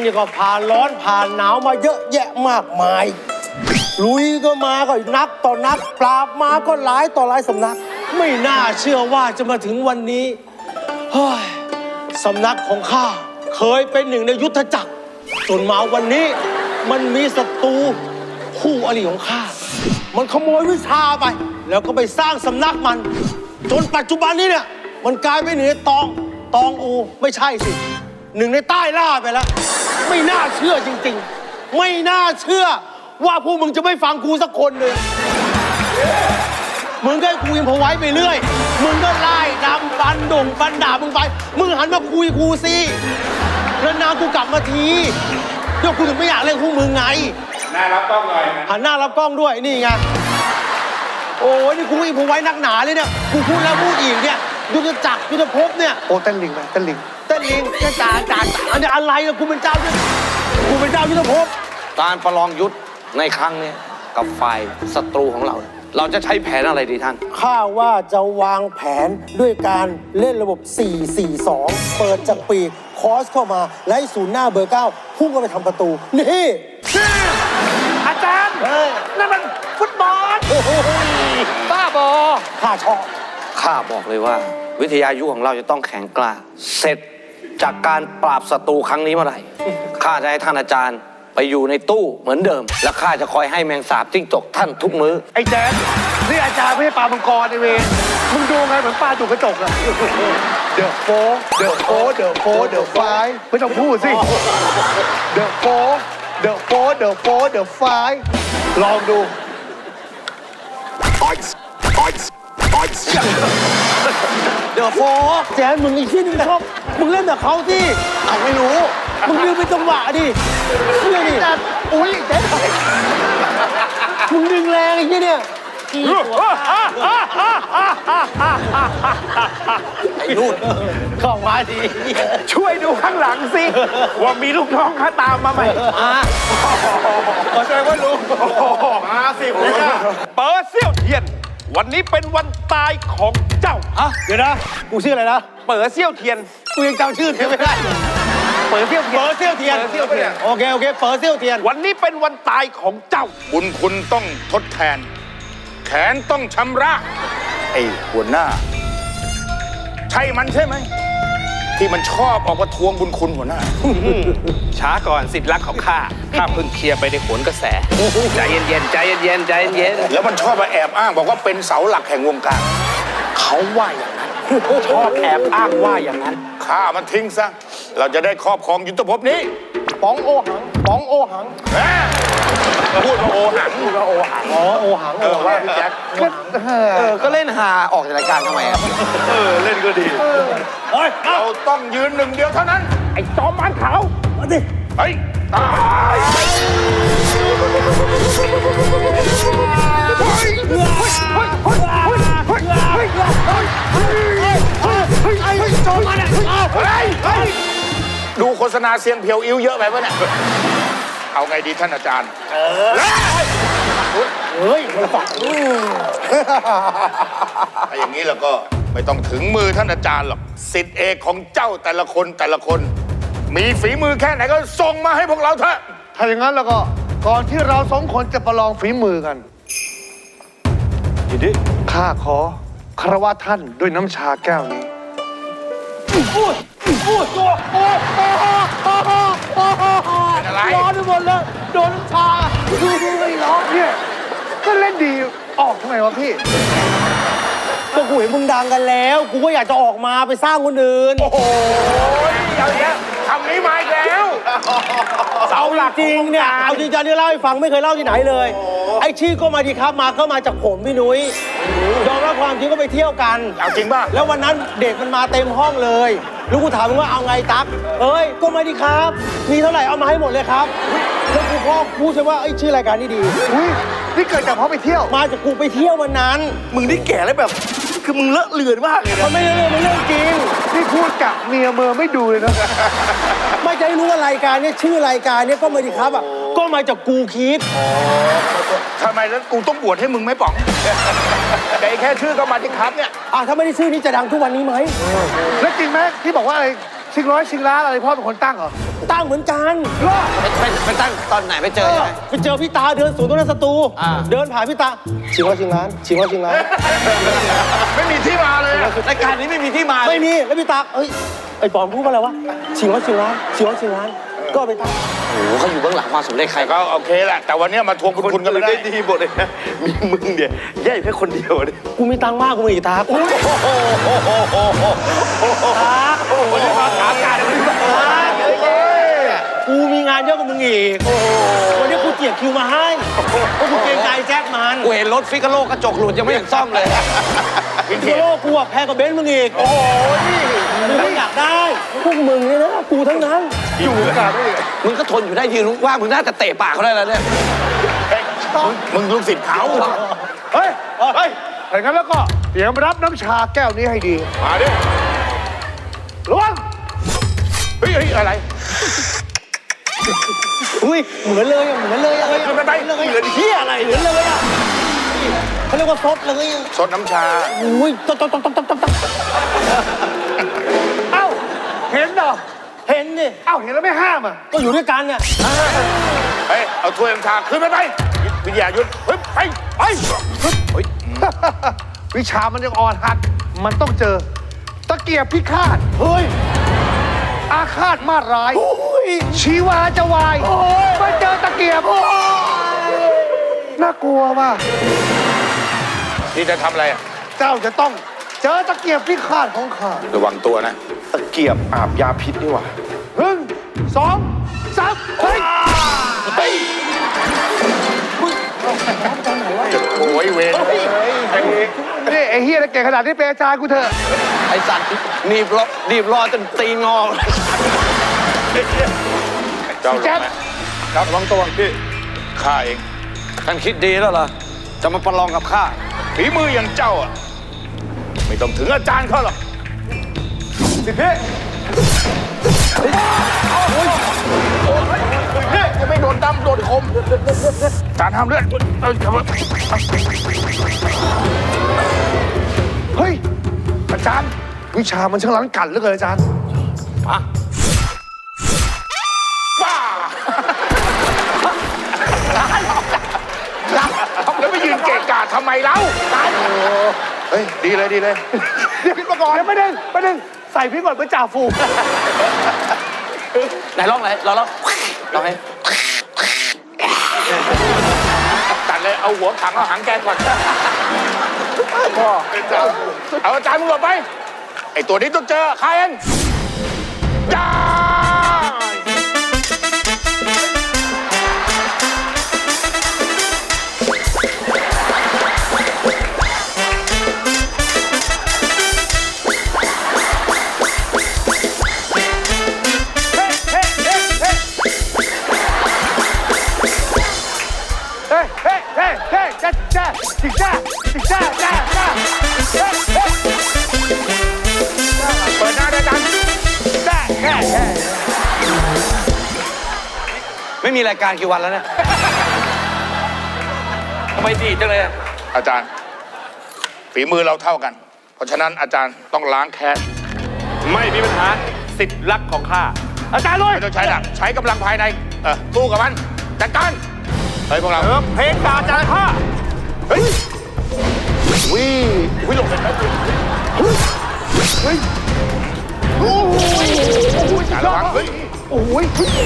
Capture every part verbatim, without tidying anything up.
นี่ก็ผ่านร้อนผ่านหนาวมาเยอะแยะมากมายลุยก็มาก็นักต่อนักปราบมาก็หลายต่อหลายสำนักไม่น่าเชื่อว่าจะมาถึงวันนี้เฮ้ยสำนักของข้าเคยเป็นหนึ่งในยุทธจักรจนมาวันนี้มันมีศัตรูคู่อริของข้ามันขโมยวิชาไปแล้วก็ไปสร้างสำนักมันจนปัจจุบันนี้เนี่ยมันกลายเป็นหนึ่งในตองตองอูไม่ใช่สิหนึ่งในใต้ล่าไปแล้วไม่น่าเชื่อจริงๆไม่น่าเชื่อว่าพวกมึงจะไม่ฟังกูสักคนเลยมึงก็ให้กูอิมพอไว้ไปเรื่อยมึงก็ไล่ดำฟันด่งฟันด่ามึงไปมึงหันมาคุยกูสิแล้วนากูกลับมาทีเดี๋ยวกูถึงไม่อยากเล่นพวกมึงไงหน้ารับกล้องหน่อยหันหน้ารับกล้องด้วยนี่ไงโอ้ยนี่กูอิมพอไว้นักหนาเลยเนี่ยกูพูดแล้วพูดอีกเนี่ยยุทธจักรยุทธภพเนี่ยโอ้เต้นลิงไหมเต้นลิงเต้นลิงจะจ่าจ่าอันนี้อะไรล่ะกูเป็นเจ้ากูเป็นเจ้ายุทธภพการประลองยุทธในครั้งนี้กับฝ่ายศัตรูของเราเราจะใช้แผนอะไรดีท่านข้าว่าจะวางแผนด้วยการเล่นระบบ สี่ สี่ สอง เปิดจากปีกคอสเข้ามาและให้ศูนย์หน้าเบอร์เก้าพุ่งเข้าไปทำประตูนี่อาจารย์นั่นมันฟุตบอลบ้าบอข้าชอบข้าบอกเลยว่าวิทยายุทธของเราจะต้องแข็งกล้าเสร็จจากการปราบศัตรูครั้งนี้เมื่อไหร่ข้าจะให้ท่านอาจารย์ไปอยู่ในตู้เหมือนเดิมและข้าจะคอยให้แมงสาบจิ้งจกท่านทุกมื้อไอ้แจ๊ดนี่อาจารย์ไม่ใช่ปลามังกรไอเวรมึงดูไงเหมือนปลาจุกกระจกอะเดอะโฟเดอะโฟเดอะโฟเดอะไฟไม่ต้องพูดสิเดอะโฟเดอะโฟเดอะโฟเดอะไฟลองดูเดี๋ยวโฟแจ๊ดมึงไอ้ที่นี่ชอบมึงเล่นแบบเขาสิเอาไม่รู้มึงดึงไปจังหวะดิเชื่อดิอุ้ยแจ๊ดมึงดึงแรงไอ้ที่เนี่ยไอ้นู่นเข้ามาดีช่วยดูข้างหลังสิว่ามีลูกน้องข้าตามมาไหมขอแสดงว่าลุงมาสิผมเนี่ยเปิดเซี่ยวเทียนวันนี้เป็นวันตายของเจ้าฮะเดี๋ยวนะกูชื่ออะไรนะเปิดเซี่ยวเทียนกูยังจำชื่อเทียนไม่ได้เปิดเซี่ยวเทียนเปิดเซี่ยวเทียนโอเคโอเคเปิดเซี่ยวเทียนวันนี้เป็นวันตายของเจ้าบุญคุณต้องทดแทนแขนต้องชำระไอ้หัวหน้าใช่มันใช่ไหมที่มันชอบออกมาทวงบุญคุณหัวหน้าช้าก่อนสิทธิ์รักของข้าข้าเพิ่งเคลียร์ไปในโขนกระแสใจเย็นๆใจเย็นๆใจเย็นแล้วมันชอบมาแอบอ้างบอกว่าเป็นเสาหลักแห่งวงการเขาว่าอย่างนั้นชอบแอบอ้างว่าอย่างนั้นข้ามันทิ้งซะเราจะได้ครอบครองยุทธภพนี้ป๋องโอหังป๋องโอหังพูดว่าโอหังพูดว่าโอหังอ๋อโอหังเออว่าพี่แจ็คเออก็เล่นหาออกจากรายการทำไมอ่ะเออเล่นก็ดีเฮ้ยเราต้องยืนหนึ่งเดียวเท่านั้นไอ้จอมมันขาวมาดิไปตายดูโฆษณาเสียงเพียวอิ้วเยอะไปปะเนี่ยเอาไงดีท่านอาจารย์เออเฮ้ยมันฝังถ้าอย่างนี้แล้วก็ไม่ต้องถึงมือท่านอาจารย์หรอกศิษย์เอกของเจ้าแต่ละคนแต่ละคนมีฝีมือแค่ไหนก็ส่งมาให้พวกเราเถอะถ้าอย่างนั้นแล้วก็ก่อนที่เราสองคนจะประลองฝีมือกันยินดีข้าขอคารวะท่านด้วยน้ำชาแก้วนี้อุ้ยอุ้ยตัวโอ้โอ้โอ้โอ้โอ้โอ้ร้อนไปหมดเลยโดนน้ำชาดูดูไม่ร้อนเนี่ยก็เล่นดีออกทำไมวะพี่ก็กูเห็นมึงดังกันแล้วกูก็อยากจะออกมาไปสร้างคนอื่นโอ้โหอย่างเงี้ยคำนี้มาอีกแล้วเสาหลักจริงเนี่ยเอาจริงจังที่เล่าให้ฟังไม่เคยเล่าที่ไหนเลยไอ้ชื่อก็มาดีครับมาก็มาจากผมพี่นุ้ยยอมรับความจริงก็ไปเที่ยวกันเอาจริงป่ะแล้ววันนั้นเด็กมันมาเต็มห้องเลยลูกกูถามมึงว่าเอาไงตั๊กเอ้ยก็มาดีครับมีเท่าไหร่เอามาให้หมดเลยครับแล้วกูพ่อพูดใช่ว่าไอ้ชื่อรายการนี้ดีอุ้ยนี่เกิดจากเพราะไปเที่ยวมาจากกูไปเที่ยววันนั้นมึงนี่แก่แล้วแบบคือมึงเลอะเลือนมากเลยมันไม่เรื่องมันเรื่องจริงที่พูดกับเมียเมอไม่ดูเลยนะไม่จะให้รู้ว่ารายการนี้ชื่อรายการนี้ก็มาดีครับอ่ะก็มาจากกูคิดทำไมแล้วกูต้องบวชให้มึงไม่ป๋องแต่แค่ชื่อก็มาดีครับเนี่ยอ่ะถ้าไม่ได้ชื่อนี้จะดังทุกวันนี้ไหมแล้วจริงไหมที่บอกว่าอะไรชิงร้อยชิงล้านอะไรพ่อเป็นคนตั้งเหรอตั้งเหมือนกันไปไปไปตั้งตอนไหนไปเจอยังไงไปเจอพี่ตาเดินสวนตรงนั้นสตูอ่าเดินผ่านพี่ตาชิงร้อยชิงล้านชิงร้อยชิงล้านไม่มีที่มาเลยอะรายการนี้ไม่มีที่มาไม่มีแล้วพี่ตาเอ้ยไอ้ปอมพูดว่าอะไรวะชิงร้อยชิงล้านชิงร้อยชิงล้านก็ไปตั้งโอ้โหเขาอยู่เบื้องหลังความสำเร็จใครแต่ก็โอเคแหละ แต่วันนี้มาทวงบุญคุณกันไม่ได้ดีหมดเลยนะมีมึงเนี่ยแย่แค่คนเดียวเนี่ยกูมีตังค์มากกูมีอีกตากูตาวันนี้มาถามการวันนี้มากูมีงานเยอะกว่ามึงอีกวันนี้กูเจียดคิวมาให้เพราะกูเกรงใจแจ็คมันกูเห็นรถฟิกาโลกระจกหลุดยังไม่เห็นซ่อมเลยวินเทเทจโลกูอะแพงกว่าเบนซ์มึงอีกโอ้ยมึงไม่อยากได้พวกมึงเนี่ยนะกูทั้งนั้นอยู่วงการได้ยังไงมึงก็ทนอยู่ได้ยืนว่างมึงน่าจะเตะปากเขาได้แล้วเนี่ยเฮ้ยมึงลูกศิษย์เขาเฮ้ยเฮ้ยถ้างั้นแล้วก็เตรียมรับน้ำชาแก้วนี้ให้ดีมาดิระวังเฮ้ยเฮ้ยอะไรอุ้ยเหมือนเลยอะเหมือนเลยอะเฮ้ยไม่ได้เหมือนเลยเฮียอะไรเหมือนเลยอะเขาเรียกว่าซดเลยอะสดน้ำชาอุ้ยต๊อกต๊อกต๊อกต๊อกต๊อกต๊อกเอ้าเห็นเหรอเห็นดิเอ้าเห็นแล้วไม่ห้ามอ่ะก็อยู่ด้วยกันเนี่ยเฮ้ย เอาถ้วยน้ำชาขึ้นไปไปวิทยายุทธเฮ้ย ไป ไปเฮ้ยวิชามันยังอ่อนหัด มันต้องเจอ ตะเกียบพิฆาตเฮ้ยอาฆาตมาดร้ายชีวาจะวายมาเจอตะเกียบน่ากลัวว่ะนี่จะทำอะไรอ่ะเจ้าจะต้องเจอตะเกียบพิฆาตของข้าระวังตัวนะตะเกียบอาบยาพิษนี่หว่าหนึ่งสองสามเฮ้ยเฮ้ยโอ้ยเวรไอ้นี่ไอ้เฮียเก่งขนาดนี้เป็นอาจารย์กูเถอะไอสัตว์หนีบรอหนีบรอจนตีนงอเจ้าลงไหมครับระวังตัวพี่ข้าเองท่านคิดดีแล้วเหรอ จะมาประลองกับข้าฝีมืออย่างเจ้าอ่ะ ไม่ต้องถึงอาจารย์เขาหรอกสิพี่พี่จะไม่โดนดำโดนคมอาจารย์ทำเลือดเอ้ยทำเลือดเฮ้ยอาจารย์วิชามันช่างล้างกันเหลือเกินอาจารย์บ้าแล้วไปยืนเกะกะทำไมเล่าเฮ้ย ดีเลยดีเลยเดี๋ยวพิษมาก่อนเดี๋ยวไม่ได้ไม่ได้ใส่พิษก่อนเป็นจ่าฝูงไหนลองไหนลองลองลองให้ตัดเลย เอาหัวถังเอาหางแกก่อนพ่อเอาอาจารย์มึงหลบไป ไอตัวนี้ต้องเจอใครเองจ้าเฮ้ยเฮ้ยเฮ้ยเฮ้ยจ้าจ้าจิจ้าจิจ้าจ้าจ้าเฮ้ยเฮ้ยเปิดหน้าด้วยอาจารย์จ้าแค่แค่ไม่มีรายการกี่วันแล้วเนี่ยทำไมดีจังเลยอะอาจารย์ ฝีมือเราเท่ากัน เพราะฉะนั้นอาจารย์ต้องล้างแค้นไม่มีปัญหาสิทธิ์รักของข้าอาจารย์ลุยไม่ต้องใช้หนักใช้กำลังภายใน เออสู้กับมัน จัดการ เฮ้ยพวกเราเออเพลงกาจารย์ข้าเฮ้ยวิวิหลบเลยครับเฮ้ยโอ้ยอย่าระวังเฮ้ยโอ้ย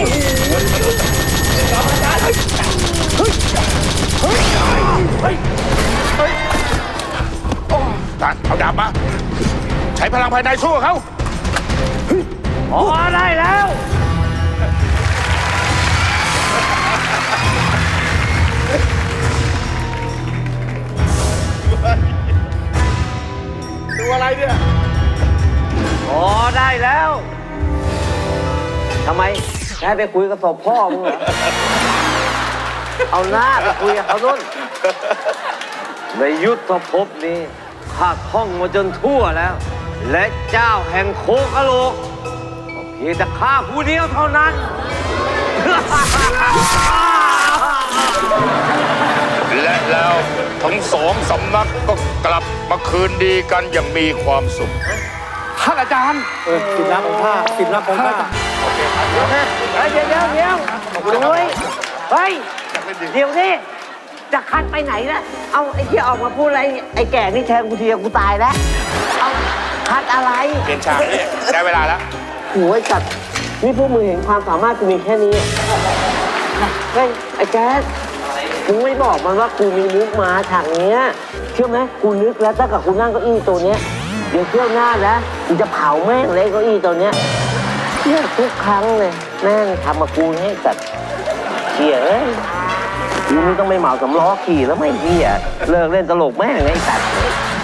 อาจารย์เอาดาบมา ใช้พลังภายในสู้กับเขาพอได้แล้วตัวอะไรเนี่ยพอได้แล้ว ทำไมจะให้ไปคุยกับศพพ่อมึงเหรอ เอาหน้าไปคุยกับเขานุ่น ในยุทธภพนี้ข้าท่องมาจนทั่วแล้ว และเจ้าแห่งโคกะโหลกก็เพียงแต่ข้าผู้เดียวเท่านั้นและแล้วทั้งสองสำนักก็กลับมาคืนดีกันอย่างมีความสุขท่านอาจารย์เออสินรักของข้าสินรักของข้าเฮ้ยเดี๋ยวเดี๋ยวเดี๋ยวเฮ้ยเฮ้ย เดี๋ยวนี่จะคัดไปไหนล่ะ เอาไอ้ที่ออกมาพูดอะไร ไอ้แก่นี่แทงกูทีกูตายแล้ว เอาคัดอะไรเปลี่ยนฉากนี่ได้เวลาแล้วโหยจัดนี่พวกมึงเห็นความสามารถกูมีแค่นี้ เฮ้ย ไอ้แจ๊สมึงไม่บอกมันว่ากูมีมุกมาฉากเนี้ยเชื่อไหมกูนึกแล้วถ้ากับกูนั่งเก้าอี้ตัวเนี้ย เดี๋ยวเที่ยวหน้าแล้วกูจะเผาแม่งเลยเก้าอี้ตัวเนี้ยเที่ยทุกครั้งเลยแม่งทำมากูให้จัดเที่ยเอ้ยกูนี่ต้องไม่เหมาสำล้อขี่แล้วไม่เที่ยเลิกเล่นตลกแม่งไอ้สัตว์